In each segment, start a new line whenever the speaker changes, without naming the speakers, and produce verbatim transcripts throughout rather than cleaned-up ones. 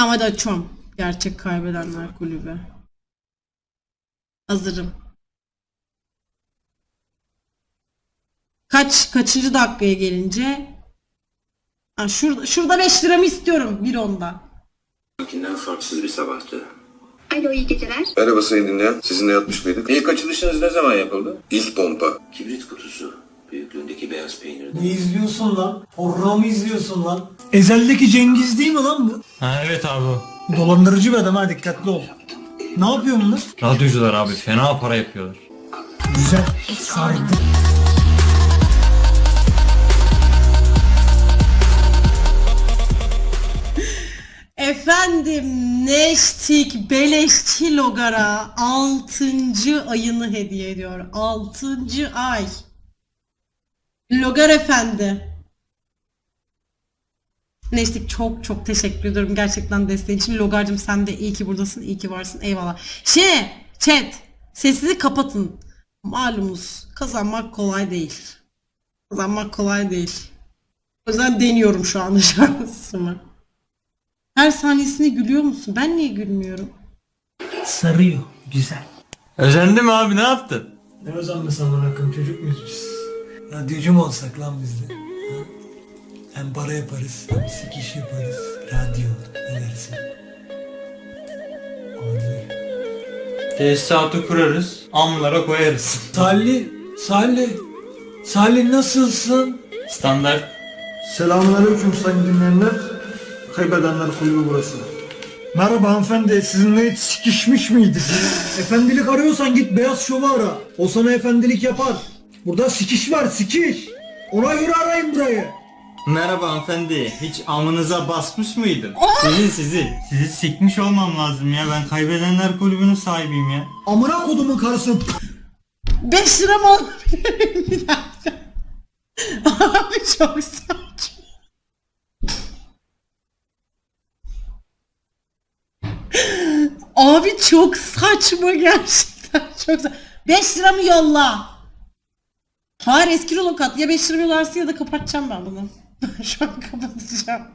Ama da açıyorum. Gerçek kaybedenler kulübü. Hazırım. Kaç kaçıncı dakikaya gelince? Ha, şurada şurada beş liramı istiyorum bir onda.
Bundan farksız bir sabahtı.
Alo, iyi geceler.
Merhaba sayın dinleyen. Sizinle yatmış mıydık? İlk açılışınız ne zaman yapıldı? İlk pompa.
Kibrit kutusu. Büyüklüğündeki beyaz peynirden.
Ne izliyorsun lan? Horror mu izliyorsun lan? Ezel'deki Cengiz değil mi lan bu?
Ha evet abi o.
Dolandırıcı bir adam, ha dikkatli ol. Ne yapıyor bunlar?
Radyocular abi fena para yapıyorlar.
Güzel. Sardı.
Efendim Neştik Beleşçi Logar'a altıncı ayını hediye ediyor. altıncı ay. Logar efendi. Neştik çok çok teşekkür ediyorum gerçekten desteğin için. Logar'cığım sen de iyi ki buradasın, iyi ki varsın. Eyvallah. Şey, chat, sesinizi kapatın. Malumunuz kazanmak kolay değil. Kazanmak kolay değil. O yüzden deniyorum şu anda şansımı. Her saniyesine gülüyor musun? Ben niye gülmüyorum?
Sarıyor. Güzel.
Özendin mi abi, ne yaptın?
Ne özenmesi amına koyayım, çocuk muyuz biz? Radyocu mu olsak lan biz de? Ha? Hem para yaparız, hem sikiş yaparız. Radyo, ne dersin? Abi.
Tesisatı kurarız, amlara koyarız.
Salih, Salih. Salih nasılsın?
Standart.
Selamünaleyküm sayın dinleyenler. Kaybedenler kulübü burası.
Merhaba hanımefendi, sizinle hiç sikişmiş miydik? Efendilik arıyorsan git Beyaz Şov'u ara. O sana efendilik yapar. Burada sikiş var, sikiş. Ona göre arayın burayı.
Merhaba hanımefendi, hiç amınıza basmış mıydım? Sizin sizin. Sizi sikmiş olmam lazım ya, ben kaybedenler kulübünün sahibiyim ya.
Amına kodumun karısı.
beş lira mı alabilirim bir dakika? Abi çok saçma. Abi çok saçma gerçekten çok saçma. beş lira mı yolla? Hayır eski rulo kat. Ya beş lira yollarsın ya da kapatacağım ben bunu. Şu an kapatacağım.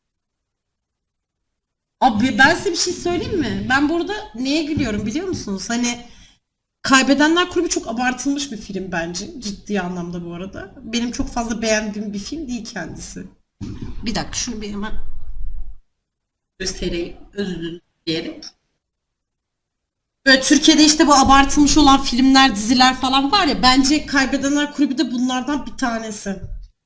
Abi ben size bir şey söyleyeyim mi? Ben burada neye gülüyorum biliyor musunuz? Hani Kaybedenler Kulübü çok abartılmış bir film bence. Ciddi anlamda bu arada. Benim çok fazla beğendiğim bir film değil kendisi. Bir dakika şunu bir hemen göstereyim. Özür diyerek. Böyle Türkiye'de işte bu abartılmış olan filmler, diziler falan var ya. Bence Kaybedenler Kulübü de bunlardan bir tanesi.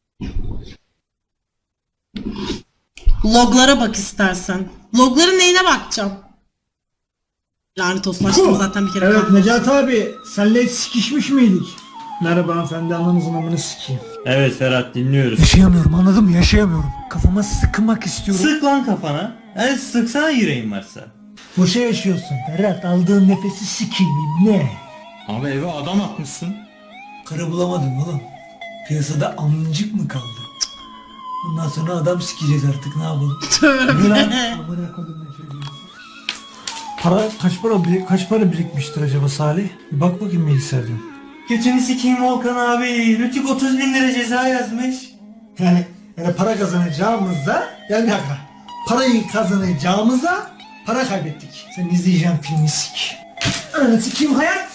Loglara bak istersen. Logların neyine bakacağım? Lanet olsun açtım zaten bir kere.
Evet Necati abi, senle hiç sikişmiş miydik? Merhaba hanımefendi, ananızın amını sikeyim.
Evet Ferhat, dinliyoruz.
Yaşayamıyorum, anladın mı? Yaşayamıyorum. Kafama sıkmak istiyorum.
Sık lan kafana. Evet, sıksana yüreğin varsa.
Boşa yaşıyorsun Ferhat, aldığın nefesi sikeyim ne?
Abi eve adam atmışsın.
Karı bulamadım oğlum. Piyasada amcık mı kaldı? Cık. Bundan sonra adam sikeceğiz artık, ne yapalım? Ne lan? Amına kodum ne çocuğu. Para kaç para bir- kaç para birikmiştir acaba Salih? Bir bak bakayım bilgisayardan.
Geçeni sikeyim Volkan abi. Rütük otuz bin lira ceza yazmış.
Yani, yani para kazanacağımıza, yani bir dakika. Parayı kazanacağımıza para kaybettik. Sen izleyeceğim filmi sik. Ananı sikeyim hayat.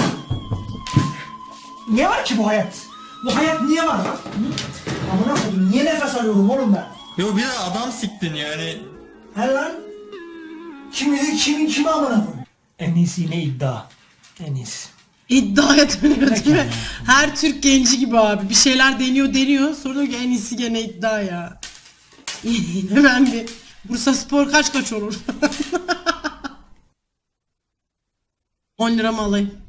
Niye var ki bu hayat? Bu hayat niye var lan? Hı? Amına koydum, niye nefes alıyorum oğlum ben?
Yo, bir de adam siktin yani.
He lan? Kim bilir kimin kimi amına koyayım? En iyisi ne iddia? En iyisi.
İddiaya dönüyor değil mi? Her Türk genci gibi abi. Bir şeyler deniyor deniyor. Sonra diyor ki en iyisi gene iddia ya. Hemen bir Bursa Spor kaç kaç olur? on lira mı alayım?